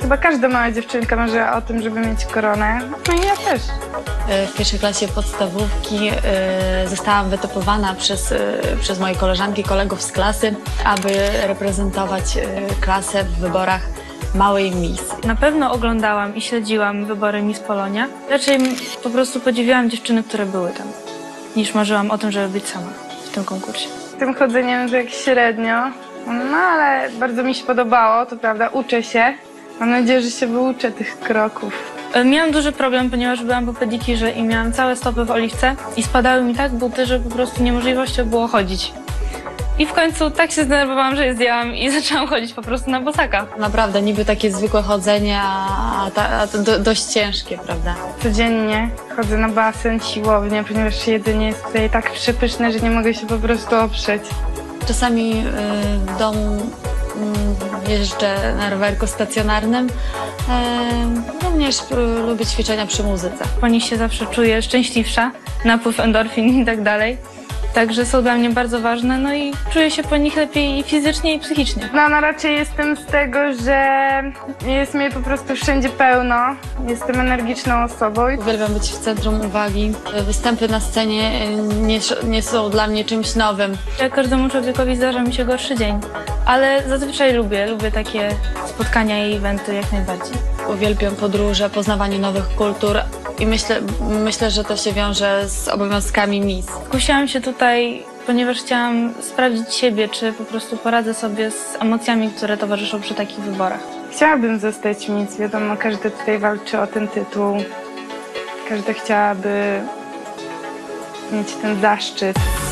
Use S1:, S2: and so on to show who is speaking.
S1: chyba każda mała dziewczynka marzy o tym, żeby mieć koronę. No i ja też.
S2: W pierwszej klasie podstawówki zostałam wytypowana przez moje koleżanki, kolegów z klasy, aby reprezentować klasę w wyborach małej Miss.
S3: Na pewno oglądałam i śledziłam wybory Miss Polonia. Raczej po prostu podziwiałam dziewczyny, które były tam, niż marzyłam o tym, żeby być sama w tym konkursie.
S1: Tym chodzeniem tak średnio, no ale bardzo mi się podobało, to prawda, uczę się. Mam nadzieję, że się wyuczę tych kroków.
S3: Miałam duży problem, ponieważ byłam po pedikirze i miałam całe stopy w oliwce i spadały mi tak buty, że po prostu niemożliwością było chodzić. I w końcu tak się zdenerwowałam, że je zdjęłam i zaczęłam chodzić po prostu na bosaka.
S2: Naprawdę niby takie zwykłe chodzenie, a to dość ciężkie, prawda?
S1: Codziennie chodzę na basen, siłownię, ponieważ jedzenie jest tutaj tak przepyszne, że nie mogę się po prostu oprzeć.
S2: Czasami w domu jeżdżę na rowerku stacjonarnym. Również lubię ćwiczenia przy muzyce.
S3: Po nich się zawsze czuję szczęśliwsza, napływ endorfin i tak dalej. Także są dla mnie bardzo ważne, no i czuję się po nich lepiej i fizycznie, i psychicznie.
S1: No raczej jestem z tego, że jest mnie po prostu wszędzie pełno. Jestem energiczną osobą.
S2: Uwielbiam być w centrum uwagi. Występy na scenie nie są dla mnie czymś nowym.
S3: Jak każdemu człowiekowi zdarza mi się gorszy dzień, ale zazwyczaj lubię takie spotkania i eventy jak najbardziej.
S2: Uwielbiam podróże, poznawanie nowych kultur i myślę, że to się wiąże z obowiązkami Miss.
S3: Skusiłam się tutaj, ponieważ chciałam sprawdzić siebie, czy po prostu poradzę sobie z emocjami, które towarzyszą przy takich wyborach.
S1: Chciałabym zostać Miss, wiadomo, każdy tutaj walczy o ten tytuł. Każda chciałaby mieć ten zaszczyt.